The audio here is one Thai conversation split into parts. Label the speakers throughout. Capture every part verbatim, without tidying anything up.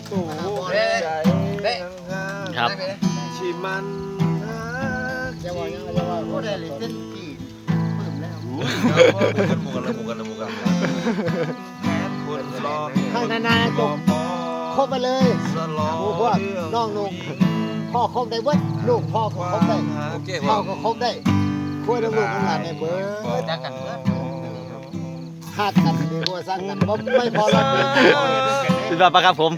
Speaker 1: ตู้ใจ
Speaker 2: ครับ
Speaker 1: ที่มันจะว่ายังจะว่าก็ได้เลยเส้นกี่ปลื้มแล้วหมูกันหมูกันหมูกันคนรอข้างนานๆจบคบไปเลยหมูพวกน้องนุ่งพ่อคบได้เว้ยลูกพ่อก็คบได้พ่อก็คบได้คุยกับลูกกันหลานในเบอร์จักกันเพื่อนคาดกันดีกว่าสร้างกันเพราะไม่พอเรา
Speaker 2: สุดยอดปะครับผม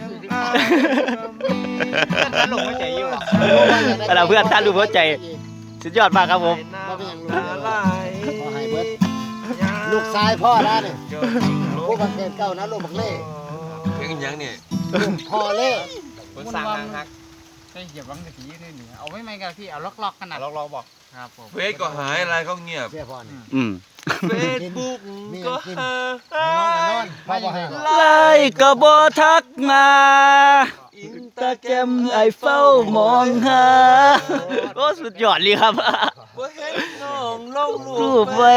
Speaker 3: ท่านหลงหัวใจอยู่หรอ
Speaker 2: เราเพื่อนท่านรู้หัวใจสุดยอดมากครับผม
Speaker 1: ลูกชายพ่อนะเนี่ยผู้บังเกิดเก่านะลูกบังเล่
Speaker 4: เพลงยังเนี่ย
Speaker 1: พ่อเล่
Speaker 3: คนสั่งฮักใช่เหยียบวังกะทินี่นี่เอาไม่ไม่กันพี่เอาล็อกๆขนาดล็อกๆบอกครับผม
Speaker 4: เฟซก็หายอะไรก็เงียบ
Speaker 2: อืม
Speaker 4: เฟซบุ๊กก็หาย
Speaker 2: ไล่ก็บ่ทักมาอินตาแกรมไอเฝ้ามองหาโอ้สุดยอดเลยครับ
Speaker 4: บ่เห็นน้องลง
Speaker 2: รูปไว้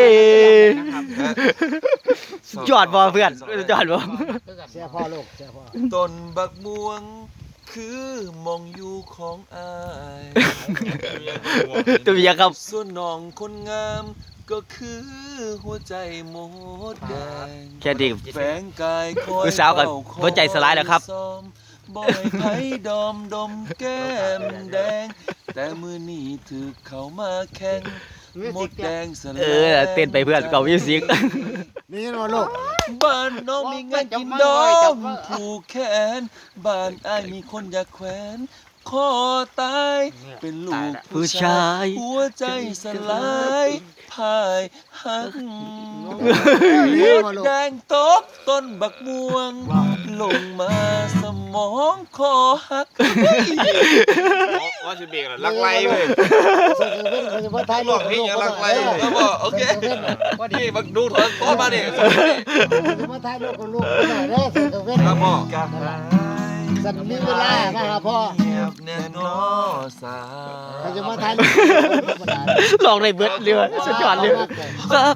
Speaker 2: ยอดบ่เพื่อนยอดบ่
Speaker 1: เสียพ่อลูกเสียพ่อ
Speaker 4: ต้นบักม่วงคือมองอยู่ของอาย
Speaker 2: ตัวอย่างครับ
Speaker 4: ส่วนน้องคนงามก็คือหัวใจหมดแดง
Speaker 2: แค่ดี
Speaker 4: แฝงกายคอย
Speaker 2: สาวกับหัวใจสลายแล้วครับ
Speaker 4: บ่อยไผดอมดมแก้มแดงแต่มือนี้ถือเขามาแข่งหมดแดงสลาย
Speaker 2: เออเต้นไปเพื่อนเก่ามิวสิก
Speaker 1: นี่นะลูก
Speaker 4: บ้านน้องมีงานกินดอมผูกแขนบ้านอ้ายมีคนอยากแขวนคอตายเป็นลูกผู้ชายหัวใจสลายพายหักหมดแดงตกต้นบักม่วงลงมาสมองคอหัก
Speaker 3: ว่าจะเบรกลักไล่เลย
Speaker 4: หลอกพี่อย่าลักไล่ก็บอกโอเคว่าดีบักดูถอนต้นมาดิ
Speaker 1: มาถ่ายรูปกับลูกหน่อยเด้อ
Speaker 4: ครับพ่อ
Speaker 1: สัตว์มีเวลานะครับพ่อ
Speaker 4: แน่นอสา
Speaker 1: เขาจะมาถ่ายรูป
Speaker 2: ลองในเบิร์ดเรือสุดยอดเลยครับ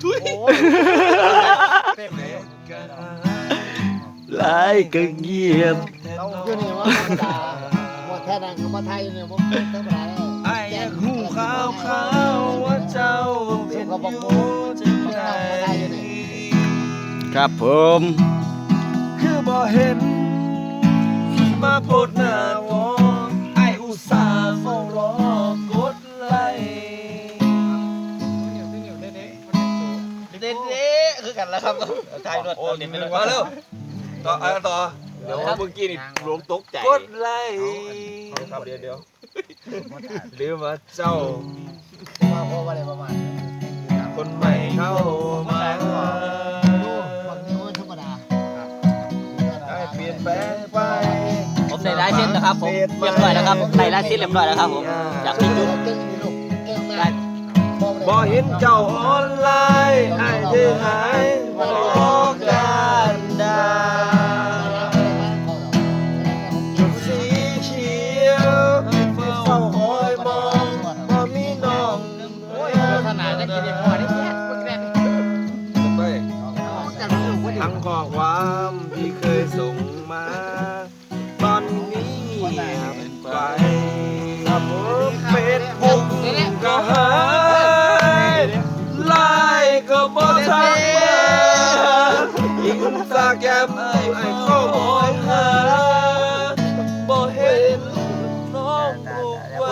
Speaker 2: ไล่ก็เงียบ
Speaker 1: อยู่นี่ว่าธรรมดาว่าแค่นั้นเขามาถ่ายอยู่นี่ผมธรรมดาแล้ว
Speaker 4: ไอ้หูขาวขาวว่าเจ้าเป็นอยู่จังใด
Speaker 2: ครับผม
Speaker 4: คือบ่เห็นมาโพดหน้าวอไออุตส่าห์เฝ้ารอกดไล
Speaker 3: เด็ดๆคือกันแล้วครับถ่ายรถโอ้นี่เป็น
Speaker 4: มาเร็วต่ออ่ะต่อ
Speaker 3: เดี๋ยวเมื่อกี้นี่หลงตกใจ
Speaker 4: กดไลเดี๋ยวเดี๋ยวหรือว่าเจ้า
Speaker 1: มาพ่อว่าอะไรประมาณ
Speaker 4: คนใหม่เข้ามาเปลี่ยนแปลงไป
Speaker 2: ผมในไลน์เส้นนะครับผมเรียบร้อยแล้วครับในไลน์เส้นเรียบร้อยแล้วครับผมจากพี่จุ๊บ
Speaker 4: บ่เห็นเจ้าออนไลน์ไอ้ที่หายมาออกกันดาจุดสีเขียวเฝ้าคอยมองบ่มีน้อง
Speaker 3: ขนาดจะกินพอได้แค่
Speaker 4: ทั้งข้อความที่เคยส่งมาตอนนี้เป็นไปครับผมเฟซบุ๊กก็หายไลน์ก็บ่ทักมาอินสตาแกรมไอ้เข้ามองหาบ่เห็นน้องลูกไว้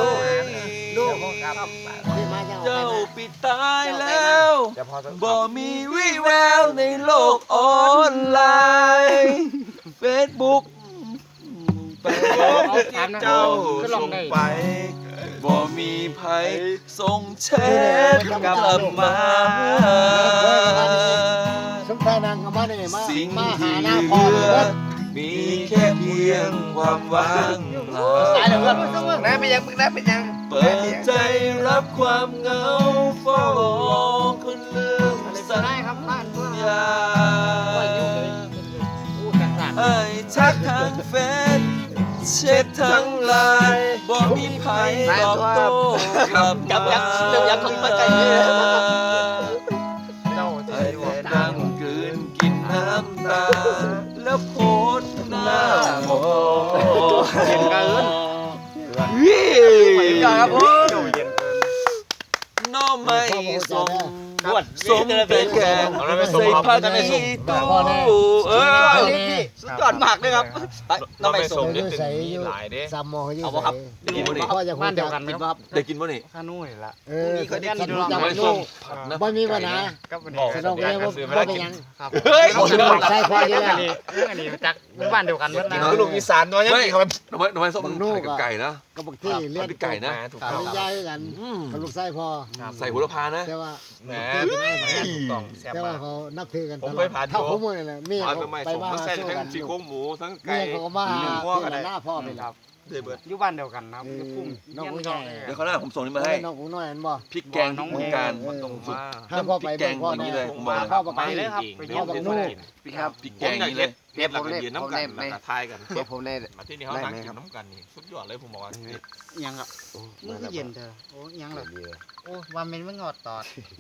Speaker 4: เจ้าปิดตายแล้วบ่มีวี่แววในโลกออนไลน์เฟซบุ๊กไปเจ้าส่งไปบ่มีไผส่งแชทกลับมาสิ่งที่เหลือมีแค่เพียงความว่างเปล่า
Speaker 3: ได้เป็นยังมึงได้เป็นยัง
Speaker 4: เปิดใจรับความเหงาเฝ้ารอคนลืมสัญญาไอ้ชักทางเฟซเช็ดทั้งไลน์บ่มีไผตอบโต้กลับมาไอ้แต่นั่งกลืนกินน้ำตาแล้วโพสหน้ามอง
Speaker 2: ยอดครับผม
Speaker 4: น้องไม่สม
Speaker 2: บวช
Speaker 4: สมแต่แกงใส่ผ้ากันในสมตู้เออ
Speaker 2: สุดยอดมากเลยครับไปน้องไม่สม
Speaker 1: อยู่ใส่อยู่สามโมงอยู่
Speaker 2: เอาบ่ครับ
Speaker 1: ใส่พ่อจะ
Speaker 3: บ้านเดียวกัน
Speaker 2: กิน
Speaker 3: เนาะ
Speaker 2: ครับ
Speaker 4: ได้กินป่ะนี่
Speaker 3: ข้านุ่ยละ
Speaker 1: เออ
Speaker 2: นี่เขาได้กิน
Speaker 1: รู้จัก
Speaker 4: ไม่
Speaker 1: ลู
Speaker 4: ส้ม
Speaker 1: ก
Speaker 4: ผัดนะ
Speaker 1: บ่มีปัญหา
Speaker 3: ก็วัน
Speaker 1: ส
Speaker 3: นี้
Speaker 1: นุกเลยว่าบ่เป็นยัง
Speaker 3: ครับ
Speaker 2: เฮ้ย
Speaker 1: ใส่พ่ออยู่
Speaker 3: เรื่อง
Speaker 1: แล้
Speaker 3: อั
Speaker 1: วน
Speaker 3: นี้เรื่องอันนี้จักบ้านเดียวกันเมื่อ
Speaker 4: กิน
Speaker 3: นะ
Speaker 4: ลูกอีสานน้อยยังไม่ทำไมทำไมทำไมส้มมันกับไก่นะ
Speaker 1: ก็บางที่เลี้ยง
Speaker 4: เป็นไก่นะ
Speaker 1: ปริญญาด้วยกันกับลูกไส้พ่อ
Speaker 4: ใส่หัวละพานะ
Speaker 1: แต่ว่า
Speaker 4: แหม
Speaker 3: ต้องแซ่บ
Speaker 1: แต่ว่าม
Speaker 3: าก
Speaker 1: เขานับถือกัน
Speaker 4: ผม
Speaker 1: ตล
Speaker 4: เค
Speaker 1: อด
Speaker 4: ยผ่าน
Speaker 1: เท่า
Speaker 4: อยู่
Speaker 1: เขาหมดเลยเมีย
Speaker 4: ผ่าน
Speaker 1: เขา
Speaker 4: ไป
Speaker 1: ไป
Speaker 4: สม
Speaker 1: ว่า
Speaker 4: ทั้งใส่
Speaker 1: สู้
Speaker 4: ทั้
Speaker 1: กัน
Speaker 4: งซี่โครงหมูทั้ง
Speaker 1: เมี
Speaker 4: ไก่
Speaker 1: ยเขาก็มาหา
Speaker 4: หัวกัน
Speaker 1: หน้าพ่อไป
Speaker 3: ครับ
Speaker 4: เดือดเบิด
Speaker 3: อยู่บ้านเดียวกันนะครับพุ่ม
Speaker 1: น้องผู้ใหญ่
Speaker 4: เดี๋ยวเขาหน้าผมส่งนี่มาให้
Speaker 1: น้องกูน้อยอันบ่
Speaker 4: พริกแกงน้องการ
Speaker 3: ตรงมา
Speaker 1: ถ้าพ่อไป
Speaker 4: พริกแกง
Speaker 1: พ่อ
Speaker 4: อย่างนี้
Speaker 1: ได้
Speaker 4: เลยผมบอก
Speaker 1: พ่อไป
Speaker 3: ไปเลยครับไปเยี่ยม
Speaker 1: พ่อ
Speaker 3: เพื่
Speaker 1: นู่
Speaker 3: อน
Speaker 1: น
Speaker 4: ครับพริกแกงอย่างนี้เลย
Speaker 5: เดี๋ยวผมเล่น
Speaker 4: ยืนน้ำกันแล้วก็ทายกัน
Speaker 5: เดี๋ยวผมเล่น
Speaker 4: มาที่นี่เขานั่งกินน้ำกันนี่สุดยอดเลยผมบอกว่า
Speaker 3: ยังอ่ะมึงก็เย็นเธอโอ้ยังเหรอโอ้ว่ามันไม่งอดตอด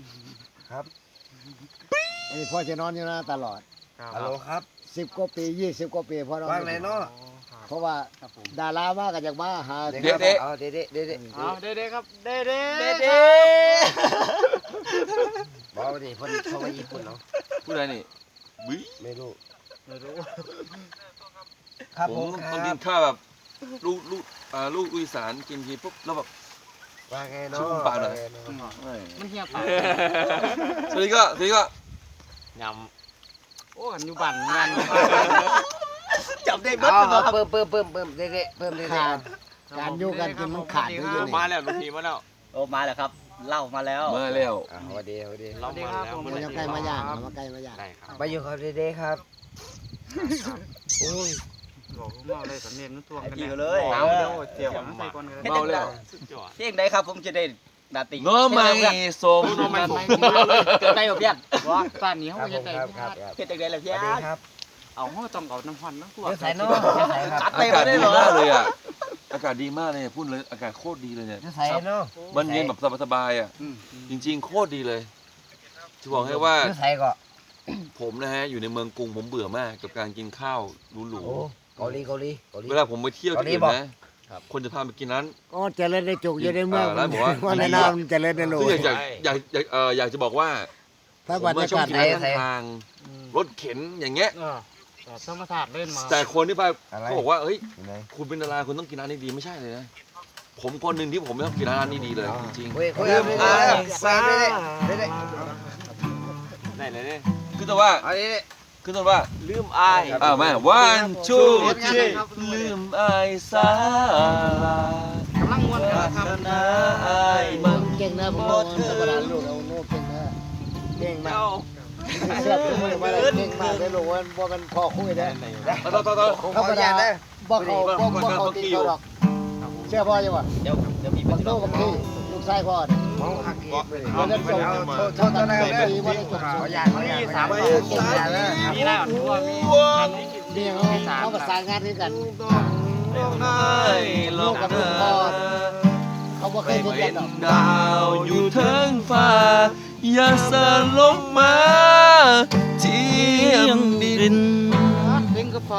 Speaker 1: อันนี้พ่อจะนอนอยู่นะตลอด
Speaker 5: ฮัลโหลครับ
Speaker 1: สิบกว่าปียี่สิบกว่าปีพ่อนอน
Speaker 5: ว่างไหนเนาะ
Speaker 1: เพราะว่าดารามากันจากมาหา
Speaker 5: เด็กๆเอาเด็กๆเด็ก
Speaker 3: เอาเด้ๆครับเด้ๆเด้
Speaker 2: เด้
Speaker 5: ๆบอกว่าดิคนเขามาญี่ปุ่นเนาะ
Speaker 4: ผู้ใดนี่วิ
Speaker 5: ไม่รู้
Speaker 3: ไม่รู้
Speaker 5: ครับ
Speaker 4: ผ
Speaker 5: ผม ม
Speaker 4: ต้อง
Speaker 5: ค
Speaker 4: กิ
Speaker 5: รั
Speaker 4: น
Speaker 5: บ
Speaker 4: ข้าวแบบลูกลูกอ่าลูกอีสานกินทีปุ๊บแล้วแบบ
Speaker 5: ว่าไงเนาะ
Speaker 4: ชุ่มปากหน่อย
Speaker 3: มันเหี่ยวปาก
Speaker 4: สวัสดีก็สวัสดีก็
Speaker 3: ยำโอ้อันอยู่บ้านงาน
Speaker 2: จับได้เบิด
Speaker 5: เอา
Speaker 2: เลยครับ
Speaker 5: เพิ่มเพิ่มเพิ่มเพิ่มเด็กๆเพิ่มเด็ก
Speaker 1: ขาดการอยู่กันกินมันขาดอยู่อยู่
Speaker 4: มา
Speaker 1: นี่
Speaker 4: แล้วลูกทีมาแล้ว
Speaker 2: โอ้มาแล้วครับเหล่ามาแล้ว
Speaker 4: มาแล้ว
Speaker 5: อ่าสวัสดีสวัสดี
Speaker 3: สวัสดีครับผม
Speaker 1: มันจะใกล้มาย่างมาใกล้มาย่าง
Speaker 3: ได้ครับ
Speaker 5: ไปอยู่ครับเด็กๆครับโอ้ย
Speaker 3: บอกเมาเลยสำเนียงนั่นทวงกัน
Speaker 2: อยู่เลย
Speaker 3: เอาเดี๋ยวเจียวใส่ก่อนกัน
Speaker 4: เมาแล้ว
Speaker 3: สุดยอด
Speaker 2: เพียงใดครับผมจะได้ดาติ
Speaker 4: น้อไม่สม
Speaker 3: น้องไม่สม
Speaker 2: เกิดได้บ่เพียง
Speaker 3: ว่าตอนนี้
Speaker 5: ค
Speaker 3: เขา
Speaker 5: รับผ
Speaker 3: จะ
Speaker 5: ม
Speaker 3: ได้
Speaker 5: ครับครับครับ
Speaker 2: เฮ็ดจังได๋ล่ะ
Speaker 5: ส
Speaker 2: เพีย
Speaker 5: วั
Speaker 2: ง
Speaker 5: สดีครับ
Speaker 3: เอาเขาต้องเอาน้ำพันน้ำตัว
Speaker 5: เดี๋ยวใส่เนาะเดี๋ยวใส่ครับ
Speaker 2: จัด
Speaker 4: อา
Speaker 2: เต็ม
Speaker 4: กาศ
Speaker 2: ได้
Speaker 4: ดี
Speaker 2: เหรอ
Speaker 4: มากเลยอ่ะอากาศดีมากเลยพูดเลยอากาศโคตรดีเลยเนี่ย
Speaker 5: เดี๋ยวใส่เนาะ
Speaker 4: มันเย็นแบบสบายๆอ่ะจริงๆโคตรดีเลยจะบอกให้ว่า
Speaker 5: เดี๋ยวใส่ก็
Speaker 4: ผมนะฮะอยู่ในเมืองกรุงผมเบื่อมากกับการกินข้าวหรู
Speaker 5: โอ้เกาหลีเกาหลีเกาหลี
Speaker 4: ๆเวลาผมไปเที่ยวที่อื่น
Speaker 5: ตอนนี้
Speaker 4: นะ
Speaker 5: บอก
Speaker 4: คนจะพาไปกินร้าน
Speaker 1: ก็เจริญในจุกอยู่ในเมือง
Speaker 4: อ่าแล้วบอกว่า
Speaker 1: ว่าในน้ำเจริญในโลก
Speaker 4: ซึ่งอยากอยากอยากอยากเอ่ออยากจะบอกว่า
Speaker 1: ถ้า
Speaker 4: ผ
Speaker 1: บร
Speaker 4: ม
Speaker 1: ร
Speaker 4: มาชอก
Speaker 1: ยาาศ
Speaker 4: กินร้านข้างทางรถเข็นอย่างเงี้ย
Speaker 3: เออแบบธรรมศาสตร์เล่นมา
Speaker 4: แต่คนที่ไป
Speaker 5: อะไร
Speaker 4: เขาบอกว่าเฮ้ย
Speaker 5: อยู่ไหน
Speaker 4: คุณเป็นดาราคุณต้องกินร้านนี้ดีไม่ใช่เลยนะผมคนหนึ่งที่ผมไม่ต้องกินร้านนี้ดีเลยจริง
Speaker 5: เฮ้ยคุยกันเรื่อยๆไปเรื่อยๆเรื่อย
Speaker 4: ๆได้เลยเนี่ยคือแต่ว่า
Speaker 5: ๆเอาเรื่อย
Speaker 4: คือแต่ว่า
Speaker 2: ลืมอาย
Speaker 4: อ้าวแม่ one two
Speaker 3: เฮ็ดงาน
Speaker 4: three
Speaker 3: ครับ
Speaker 4: ลืมอายสาก
Speaker 3: ำลังม้วนกันครับ
Speaker 4: นะอาย
Speaker 1: มึ
Speaker 4: มัน
Speaker 1: งเก่งนะผมว่าธรรมดาลูกเอาโน่เก่งนะเก่งมากเสื้อตัวมือมาเลยเก่งมากได้ลูกว่าว่ามันพอคุยได้
Speaker 4: ต่อต่อต่อ
Speaker 5: ๆผมขออนุญาตนะ
Speaker 1: บอกเขาบอกบอกเขาตีเขาดอกเชื่อพ่อยังวะ
Speaker 2: เดี๋ยวเดี๋ยวมีป
Speaker 1: บัก
Speaker 2: ฏิ
Speaker 1: โน่
Speaker 2: บัติ
Speaker 1: บักที่ลูกชายพ่อเนี่ย
Speaker 5: มองหักอีกไปเลย
Speaker 1: วันนั้นส่ง
Speaker 5: โทษโทษนะ
Speaker 1: ปี
Speaker 5: ครั
Speaker 1: วันนั้นส่ง
Speaker 5: ขออนุญาตขออนุญาต
Speaker 3: สาม
Speaker 5: ขอ
Speaker 3: ค
Speaker 5: อน นุญาตนะ
Speaker 3: มีแล้วทั่วมี
Speaker 1: เมียเขาเขาประสานงานด้วยกัน
Speaker 4: อายหลอกเธอ
Speaker 1: เขาบอกเค
Speaker 4: ไป
Speaker 1: ยพูด
Speaker 4: เป็
Speaker 1: กัน
Speaker 4: น
Speaker 1: หรอก
Speaker 4: ดาวอยู่เทิงฟ้า อย่าสลงมาเทียมดิน
Speaker 3: เล่นก็พอ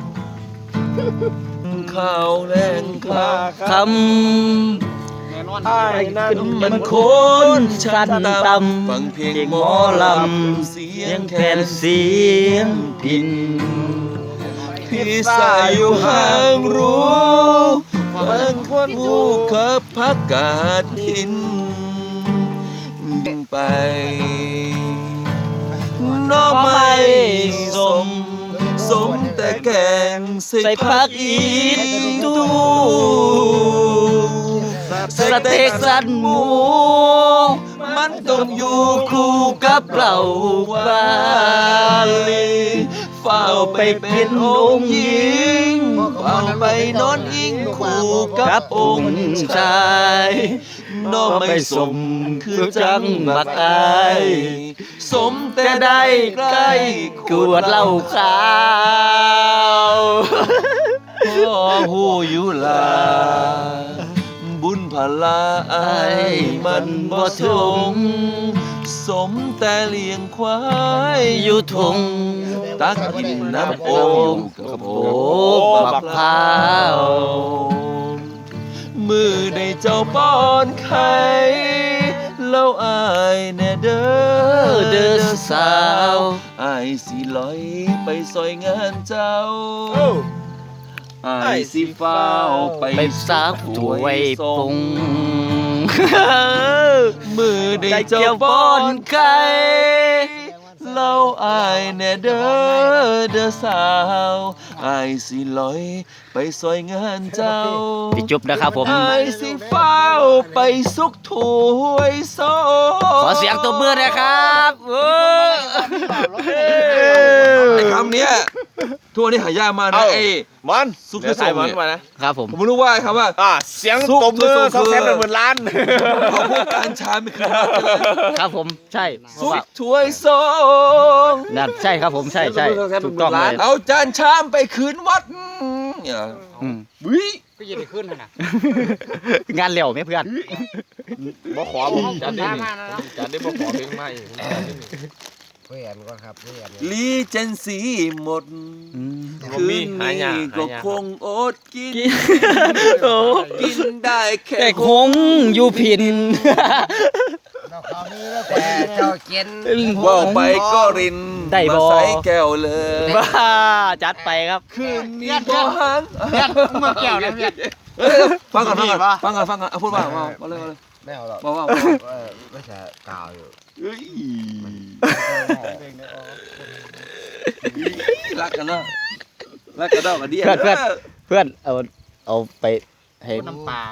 Speaker 4: ข้าวแรงคลา
Speaker 2: ค
Speaker 3: แน่นอน
Speaker 2: ำมันโคนชันต่ำ
Speaker 4: ฟังเพลง
Speaker 2: เพลง
Speaker 4: ห
Speaker 2: ห
Speaker 4: ม
Speaker 2: ม
Speaker 4: อ
Speaker 2: อ
Speaker 4: ล
Speaker 2: ล
Speaker 4: ำ
Speaker 2: ำ
Speaker 4: เสี
Speaker 2: เสี
Speaker 4: ย
Speaker 2: ย
Speaker 4: ง
Speaker 2: ง
Speaker 4: แค
Speaker 2: แคน นเสียงพิน
Speaker 4: พี่สายอยู่ห่างรู้บางคนผู้ขับพักกาดทินไปน้องไม่สม สมแต่แกงใส่
Speaker 2: ใส่
Speaker 4: ผั
Speaker 2: ผั
Speaker 4: ก
Speaker 2: ก
Speaker 4: อี
Speaker 2: อี
Speaker 4: ตู
Speaker 2: ตูสเต็กสันหมู
Speaker 4: มันต้องอยู่
Speaker 2: คู่กับเราบาลีเฝ้าไปเป็นองค์หญิง
Speaker 4: เฝ้าไปนอนอิงคู่กั
Speaker 2: กั
Speaker 4: บบ อ
Speaker 2: อง ง
Speaker 4: ค์
Speaker 2: ค์
Speaker 4: ชา
Speaker 2: ชาย ย
Speaker 4: น้องไม่สมคือจังบักอายสมแต่ได้ใกล้
Speaker 2: กวดเหล้าขาว
Speaker 4: พ่อหูอยู่ลา บุญพลาอายมันบ่ทงสมแต่เลี้ยงควาย
Speaker 2: อยู่ทง
Speaker 4: ตักกินน้ำโอ่งกับโอ้
Speaker 2: โอ้
Speaker 4: บั
Speaker 2: บั
Speaker 4: ก
Speaker 2: ก
Speaker 4: พร้า
Speaker 2: พร้าว ว
Speaker 4: มือได้เจ้าป้อนไข่แล้วอายแน่เด้อ
Speaker 2: เด้อสาว
Speaker 4: อายสิลอยไปซอยงานเจ้าอายสิฟ้าวไป
Speaker 2: ไปซักถวยปง
Speaker 4: มือได้เจ้าป้อนไข่เล่าอายแน่เด้อเด้อสาวอายสิลอยไปซอยงานเจ้า
Speaker 2: พี่จุ๊บนะครับผม
Speaker 4: อายสิฟ้าวไปสุกถ้วยโซ
Speaker 2: ขอเสียงตบมือหนะครับโอ้ย
Speaker 4: ไอ้คำเนี้ยทั่วนี้หายากมากนะไอ้
Speaker 5: มัน
Speaker 4: ซุกคือส่งเนี่ย
Speaker 5: มานะครับ
Speaker 2: ผม
Speaker 4: ผมไม่รู้ว่าไอ้คำว่า
Speaker 5: อ่าเสียง
Speaker 4: ซุก
Speaker 5: ตบมือ
Speaker 4: คือ
Speaker 5: สองแสน
Speaker 4: คือ
Speaker 5: หมื่นล้าน
Speaker 4: เขาพูดการชาไม่คือ
Speaker 2: ครับผมใช่เพ
Speaker 4: ซุ
Speaker 2: ราะ
Speaker 4: ก
Speaker 2: ว่า
Speaker 4: ถ้วยโซ
Speaker 2: นั่นใช่ครับผมใช่ใช่ถูกต้องเลย
Speaker 4: เอาจานชามไปคืนวัดเนี่ย
Speaker 2: อืม
Speaker 4: วิ
Speaker 3: ก็ยังได้ขึ้นนะ
Speaker 2: งานเร็วไหมเพื่อน
Speaker 5: บ่ขอผมจั
Speaker 3: จั
Speaker 5: ด
Speaker 3: ด
Speaker 5: ได้
Speaker 3: ได้
Speaker 5: นี่
Speaker 3: มาแล้ว
Speaker 5: จัดได้บ่ขอเพลงใหม่ผมจัดได้นี่
Speaker 1: เพื่อนก็ครับเพื่อน
Speaker 4: ลีเจนซีหมด
Speaker 2: อืม
Speaker 5: บ่
Speaker 4: คื
Speaker 5: มี
Speaker 4: น
Speaker 5: หายา
Speaker 4: นี้
Speaker 5: หา
Speaker 4: ก็
Speaker 5: ยา
Speaker 4: คงอดกิน
Speaker 2: โอ้
Speaker 4: กินได้แค่
Speaker 2: แต่คงอยู่ผิน
Speaker 1: เราเขานี้แล้วแต่เจ้าเกียน
Speaker 4: ว่าไปก็ริน
Speaker 2: ได้บ่
Speaker 4: มาใส่แก้วเลย
Speaker 2: บ้าจัดไปครับ
Speaker 4: คืนนี้บ่หัน
Speaker 3: เพื่อนเมื่อแก้วนะเพื่อน
Speaker 4: เอ้ยฟังก่อนฟังก่อนฟังก่อนฟังก่อนเอาพูดว่าว่าว่าเลยว่าเลย
Speaker 1: ไม่เอาหรอก
Speaker 4: ว่าว่า
Speaker 1: ไม่ใช่กาวอยู่
Speaker 4: เอ้ยรักกันเนาะรักกันเนาะกันดี
Speaker 2: เพื่อนเพื่อน เพื่อนเอาเอาไปให้
Speaker 3: น้ำปลา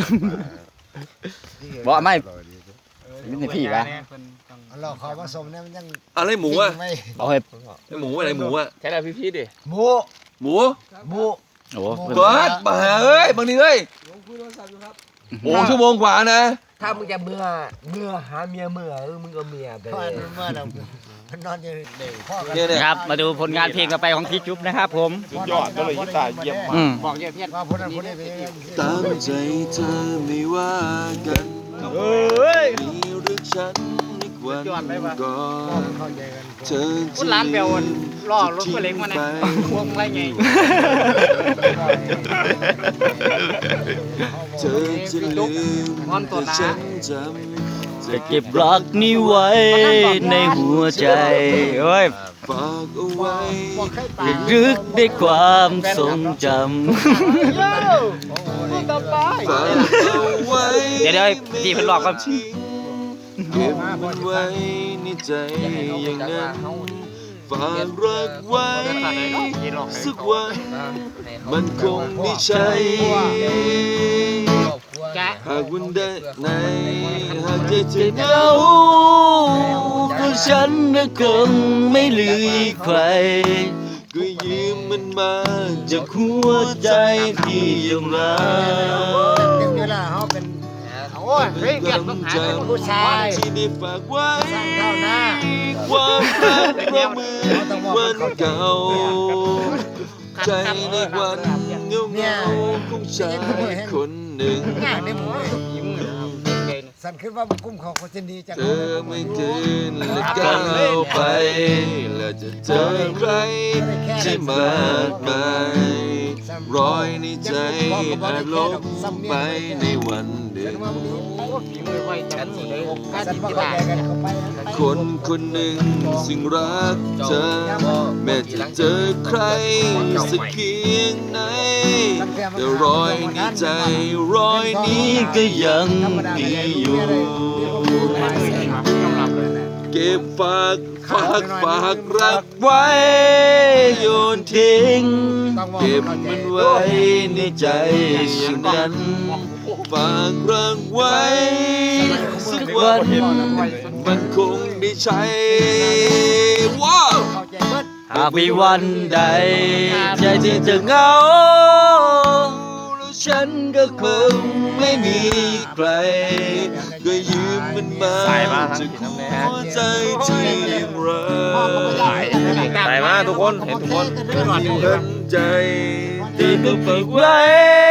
Speaker 2: บอกไม่ นี่ให้พี่วะ
Speaker 1: เราเขาผสมเนี่ยมันยัง
Speaker 4: อะไรหมูอ่ะ
Speaker 1: ไม่
Speaker 2: เอาให้
Speaker 4: ไอหมูอะไรหมูอ่ะ
Speaker 5: แค่ได้พี่ๆดิ
Speaker 1: หมู
Speaker 4: หมู
Speaker 1: หมู
Speaker 2: โอ้
Speaker 4: เบิร์ดมาเอ้ยบางทีเอ้ยโอ้ชั่วโมงกว่านะ
Speaker 6: ถ้ามึงจะเมื่อเมื่อหาเมียเมื่อเออมึงก็เมียไป
Speaker 1: เพื่อนเมื่อเรามันนอนอยู่เด็กพ่อกัน
Speaker 4: เนี่ยเนี่ย
Speaker 2: ครับ มาดูผลงานเพลงต่อไปของพี่จุ๊บนะครับผม
Speaker 5: สุดยอดก็เลยกีตาร์เยี่ยมมาก
Speaker 2: อืม
Speaker 3: บอกเยอะเพื่อน
Speaker 1: ว่าพูดนั้นพูดนี้ไป
Speaker 4: ตามใจเธอไม่ว่ากัน
Speaker 2: เฮ้ย
Speaker 4: มีหรือฉันอีกวันก่อน
Speaker 1: เข้าใจกัน
Speaker 4: เธอ
Speaker 3: พูดร้านเบลล่อรถเพื่อนเล็กมาเนี่ยพวงไรไง
Speaker 4: เธอจะลืมแต่ฉันจำ
Speaker 2: จะเก็บรักนี้ไว้ในหัวใจเฮ้ย
Speaker 4: ฝากเอาไว้
Speaker 2: รึกในความทรงจ
Speaker 3: ต่อไป
Speaker 4: ฝากเอาไว้
Speaker 2: ำเดี๋ยวเดี๋ยวพี่เพิ่นบอกว่า
Speaker 4: เก็บมันไว้ในใจอย่างนั้นฝากรักไว้สักวันมันคงไม่ใช่
Speaker 3: แกะ
Speaker 4: หากวันใดไหนหากใจเธอเหงา
Speaker 2: ก็ฉันน่ะคงไม่ลืมใคร
Speaker 4: ก็ยืมมันมาจากหัวใจที่ยังรัก
Speaker 1: ถึงเวลาเขาเป็น
Speaker 3: โอ้ยเฮ้ยเปลี่ยนต้องหาเป็นผู้ชาย
Speaker 4: ที่ได้ฝากไว้
Speaker 1: เท่าหน้า
Speaker 4: ความรักเพราะมือวันเก่า ใจในวันเงาเงาๆของชายคนหนึ่ง
Speaker 1: ง่ายในหมู
Speaker 3: ยิ้ม
Speaker 1: สันขึ้นว่ากุ้มของคนจะดีจัง
Speaker 4: เธอไม่คืนและก้าวไป แล้วจะเจอใครที่มากมายรอยในใจอาจลบไปในวันเดิม
Speaker 3: ฝีมือไว้จันเลยการ
Speaker 1: สัน
Speaker 3: ที่
Speaker 1: ว่า
Speaker 3: กี
Speaker 1: เข้า
Speaker 3: ฬา
Speaker 1: ใจกันเข้าไป
Speaker 4: คนคนหนึ่งซึ่งรักเธอ แม้จะเจอใครสักเพียงไหนแต่รอยในใจรอยนี้ก็ยังมีอยู่ เก็บฝากฝากฝากรักไว้โยนทิ้ง เก็บมันไว้ในใจอย่างนั้น ฝากรักไว้สักวันมันคงได้ใช้ว้าว
Speaker 1: เข้าใจเบิด
Speaker 2: หากมีวันใดใจที่จะเหงาแล้วฉันก็คงไม่มีใคร
Speaker 4: ก็ยืมมันมาจากหัวใจที่ยังรัก
Speaker 5: ไปมาทุกคนเห็นทุกคน
Speaker 4: ทันใจที่
Speaker 2: ที่
Speaker 4: ไม่
Speaker 2: ไม่
Speaker 4: ฝา
Speaker 2: ฝึ
Speaker 4: ก
Speaker 2: ก
Speaker 4: ไว้
Speaker 2: ไว้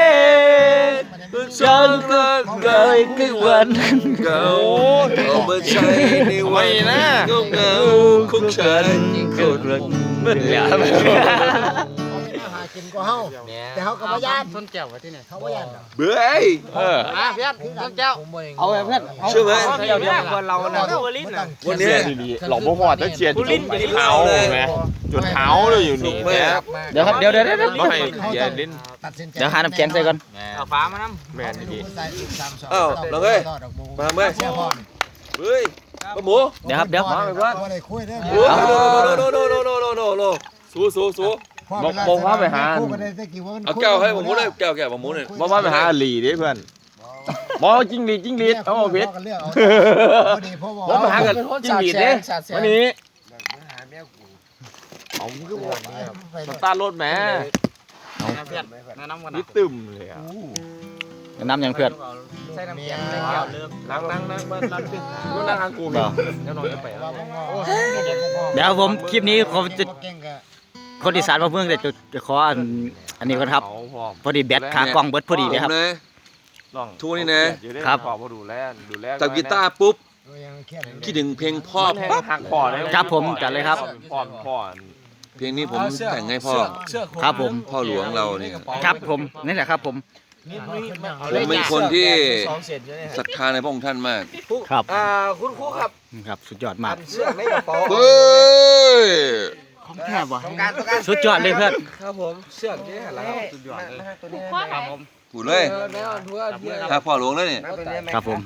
Speaker 2: ฉันก็เคยคือวัน
Speaker 4: เก่าเอามาใช้ในวันเงาเงาๆของฉันคนรัก
Speaker 2: เมื่อไหร่
Speaker 1: เขาไม่มาหากิน
Speaker 5: กว่าเฮาแต่เฮาก็บ่ย่าน
Speaker 3: ต้นแก้วไว้ที่ไหน
Speaker 5: เขาบ่ย่าน
Speaker 4: เบื่อ
Speaker 2: เออ
Speaker 3: อ่ะเพื่อนต้นแก้ว
Speaker 2: เอาไปเพื่อน
Speaker 4: เชื่อไหม
Speaker 2: เดี๋ยวเดี๋ยวคนเราเนี่ย
Speaker 4: วันนี้
Speaker 6: หลอกบ่หอดต้องเชียร์จุดเท้าแม่จุดเท้าเลยอยู่นี่แม่
Speaker 2: เดี๋ยวครับเดี๋ยวเดี๋ยวเดี๋ยว
Speaker 6: บ่ให้เชียร์ลิ้น
Speaker 5: ตัดสินใจ
Speaker 2: เดี๋ยวหาน้ำแข็งใส่ก่อน
Speaker 3: เอาฟ้ามาน้
Speaker 6: แม่นดี
Speaker 4: อ้าวเราเอ้ยมาเมื่อเฮ้ยปะหมู
Speaker 2: เดี๋ยวครับเดี๋ยว
Speaker 5: มาบ่ได้คุยเด้อ
Speaker 4: โอ้โนโนโนโนโนโนโนโนสู้สู้สู้ เอาแก้วให้ผมมุดเลยแก้วแก้วผมมุดเลย
Speaker 6: บ่ว่าไปหาหลีเด้เพื่อนบ่จิ้งหรีดจิ้งหรีดเอาเพชร
Speaker 5: พอดีพ่อบอก
Speaker 6: บ่มาหากันจิ้งหรีดเด้วันนี้เอาคือบ่สตาร์ทรถแม่
Speaker 3: ำเพื่อนแนะนำกัน
Speaker 6: นี่ตึมเลยอ่ะ
Speaker 2: น้ำยังเพื่อน
Speaker 3: ใส่น้ำแข็งใส่แก้วเริ่ม
Speaker 6: นั่งนั่งนั่งนั่งนั่งกูนั่งทางกู
Speaker 2: เดี๋ยว
Speaker 6: เดี๋ยวนอนจะไป
Speaker 2: เดี๋ยวผมคลิปนี้ผมจะคนอีสานมาเพิ่งจะจะขออันอันนี้ก่อนครับ
Speaker 6: เอาพร้อม
Speaker 2: พอดีแบตขากล้องเบิดพอดีเลยครับ
Speaker 6: ลอง
Speaker 4: ทุกนี่นะครับ
Speaker 6: ขอบ่ดูแลดูแล
Speaker 4: จับกีตาร์ปุ๊บคิดถึงเพลงพ่อ
Speaker 6: แห้งหักคอเลย
Speaker 2: ครับผมจัดเลยครับ
Speaker 6: พ่อพ่อ
Speaker 4: เพลงนี้ผมแต่งให้พ่อ
Speaker 2: ครับผม
Speaker 4: พ่อหลวงเรานี่
Speaker 2: ครับผมนี่แหละครับผม
Speaker 4: ผมเป็นคนที่ศรัทธาในพระองค์ท่านมาก
Speaker 2: ครับ
Speaker 6: อ่าคุณครูครับ
Speaker 2: ครับสุดยอดมาก
Speaker 6: เสื้อในกระเป๋า
Speaker 4: เฮ้ย
Speaker 2: ของแทบวะสุดยอดเลยเพื่อน
Speaker 6: ครับผมเสื้อนี่แหละครับสุดยอดเลย
Speaker 3: ครับผม
Speaker 4: พูดเลยถ้าพ่อหลวงแล้วนี่
Speaker 2: ครับผม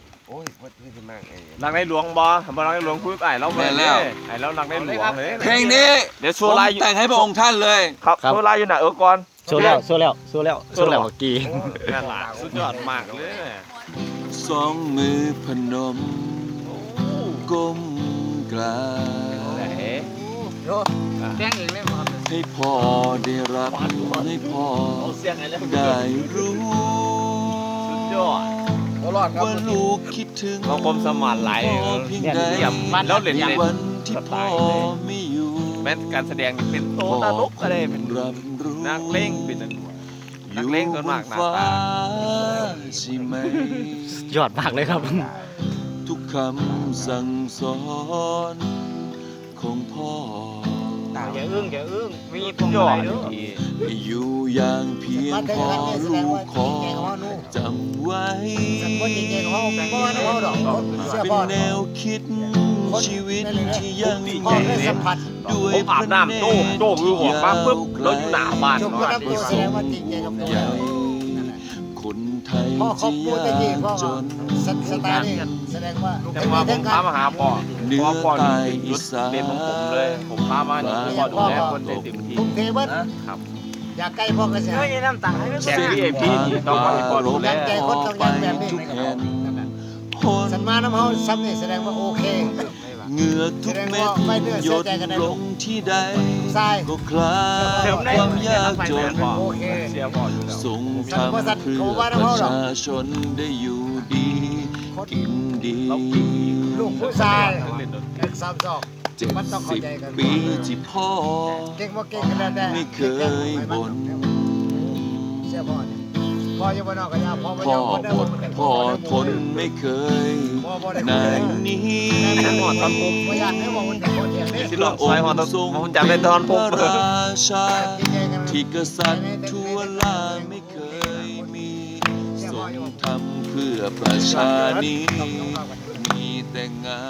Speaker 6: นักในหลวงบอบ่นักในหลวงคุยไอ้เราไอ้เรานักในหลวงเลย
Speaker 4: เพลงนี้
Speaker 6: เดี๋ยวโช
Speaker 4: ผม
Speaker 6: ว์ลาย
Speaker 4: แต่งให้พระองค์ท่านเลย
Speaker 6: ครับโชว์ลายอยู่ไหนเออก่อน
Speaker 2: โซแล้วโซแล้วโซแล้วโซแล้วเมื่อกี้
Speaker 6: นั่นแหละสุดยอดมากเลย
Speaker 4: สองมือพนมก้มกราบ
Speaker 6: ไหน
Speaker 3: แป้งเองเลยครับ
Speaker 4: ให้พ่อได้รับให้พ่อได้รู้
Speaker 6: สุดยอด
Speaker 4: ว่าลูกคิดถึง
Speaker 6: เราคมสมานไหล
Speaker 4: พ่อเพียงใด
Speaker 6: เยี่ยมแล้วเล่นใน
Speaker 4: วันที่พ่อไม่อยู่
Speaker 6: แม้การแสดงเป็นโตตลกก็ได้เป็น
Speaker 4: รับรู้
Speaker 6: นักเล่งเป็นนักเล่งส่วนมากหน้าตา
Speaker 4: ใช่ไหม
Speaker 2: ยอดมากเลยครับ
Speaker 4: ทุกคำสั่งสอนของพ่อ
Speaker 3: อย่าอึ้งอย่าอึ้งมีพ
Speaker 6: สุ
Speaker 3: ว
Speaker 6: ด
Speaker 3: ง
Speaker 6: ยอ
Speaker 3: มา
Speaker 6: ด
Speaker 3: ลัยด้วย
Speaker 6: ดี
Speaker 4: ให้อยู่อย่างเพียงพอลูกขอจำไว้
Speaker 5: คนจริงๆเขาบ่ว่าเขาดอกเสื้อ
Speaker 4: เป็น
Speaker 5: พ่อ
Speaker 4: แนวคิดชีวิตที่ยัง
Speaker 5: พ่อได้สัมผัส
Speaker 4: ด้วย
Speaker 6: ผมอาบน้ำโต้โต้คือหัวมาปุ๊บเราอยู่หน้าบ้าน
Speaker 5: จบ
Speaker 6: บ้า
Speaker 5: กัน บตัวแสดงว่าจริงใจกับตัว
Speaker 4: ใหญ่คนไทย
Speaker 5: พ่อเขา
Speaker 4: ที่
Speaker 5: พูดตะ
Speaker 4: ยา
Speaker 5: กี้
Speaker 4: ก
Speaker 5: พ่อ
Speaker 4: จน
Speaker 5: สไตล์นี่แสดงว่า
Speaker 6: แต่ว่าผมพามาหาพ่อพ่อพ่อจุดเด่นของผมเลย ผมพามานี่พ่อดูแลคนได้เต็มที่
Speaker 5: ทุ่มเทเบิด
Speaker 6: ครับ
Speaker 5: อยากใกล้พ่อก็สิ
Speaker 3: เฮ้ยน้ำตาลให้
Speaker 6: แชร์พี่เอพี่ต้องให้พ่อดูแล
Speaker 5: ใจคนต้องยังแบบนี้
Speaker 4: ทุกแห่งหน
Speaker 5: สันมาน้ำเฮาซ้ำนี่แสดงว่าโอเค
Speaker 4: เหงื่อทุกเม็ดหยดลงที่ใด
Speaker 5: ทราย
Speaker 4: ก็คลายความยากจน
Speaker 5: โอเค
Speaker 6: เสียพ่ออยู่แล้ว
Speaker 4: ส่งทำเพื่อประชาชนได้อยู่ดี กินดี
Speaker 5: ลูกผู้ชายเด็กสามสอง
Speaker 4: เจ็ด
Speaker 5: มันต้องเข้า
Speaker 4: สิบ
Speaker 5: ใจกัน
Speaker 4: ปีที่พ่อ
Speaker 5: เก่งบ่เก่งกันแล้วแต่
Speaker 4: ไม่เคยบ่น
Speaker 5: เสียพ่อนี่พ่ออยู่บ้านนอกก็ยาพ่อบ่
Speaker 4: พ่
Speaker 5: ย
Speaker 4: อ
Speaker 5: อมคนได้
Speaker 4: อ
Speaker 5: บ่
Speaker 4: ด
Speaker 5: มันกัน
Speaker 4: พ่อทนไม่เคย
Speaker 5: พ่อบ่ได้
Speaker 4: นายนี้
Speaker 5: หอดตอนผมบ่อยากให้บอกมันเป็นคนเดียวนี่
Speaker 6: ที่หลอกซอยหัวต้องผมจำได้ตอนผม
Speaker 4: พระราชา
Speaker 5: จริงใจกัน
Speaker 4: ที่กษัตริย์ทั่วลาไม่เคยมีทรงทำเพื่อประชานี้มีแต่งาน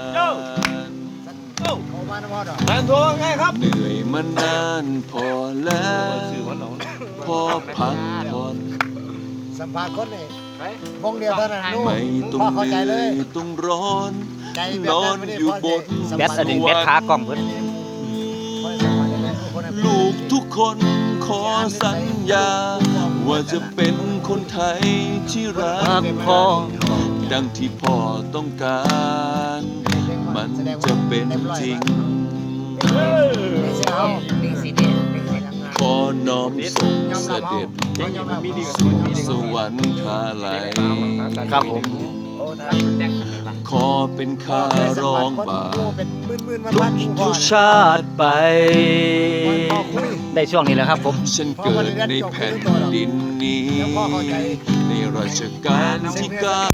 Speaker 5: เขามาน้ำพ่อดอก
Speaker 6: แทนโทรไงครับ
Speaker 4: เหนื่อยมานานพอแล้วพอพักผ่อน
Speaker 5: สัมภาษณ์คนนี่วงเดียวเท่านั้นนู่น
Speaker 4: ไม่ต้อง
Speaker 5: พ่อเข้า
Speaker 4: เห
Speaker 5: ใจเล
Speaker 4: นื่อย
Speaker 5: ย
Speaker 4: ต้องร้อน
Speaker 5: ใจแบบ
Speaker 4: นอ
Speaker 5: นั้น
Speaker 4: น
Speaker 5: ไม่ได้
Speaker 4: อยู่
Speaker 5: พ่อบ
Speaker 4: น
Speaker 2: แบตอันนี้แบตขากล้องเพิ่น
Speaker 4: ลูกทุกคนขอสัญญา ว่าจะเป็นคนไทยที่รั
Speaker 2: รั
Speaker 4: ก
Speaker 2: กพ่อ
Speaker 4: ดังที่พ่อต้องการ มันจะเป็นจริง ขอน้อมส่งเสด็จสู่สวรรคาลัย
Speaker 2: ครับผม
Speaker 4: ขอเป็นข้ารองบาท
Speaker 2: ทุกชาติไป ได้ช่วงนี้แหละครับผม
Speaker 4: ฉันเกิดในแผ่นดินนี้ ในรัชกาลที่เก้า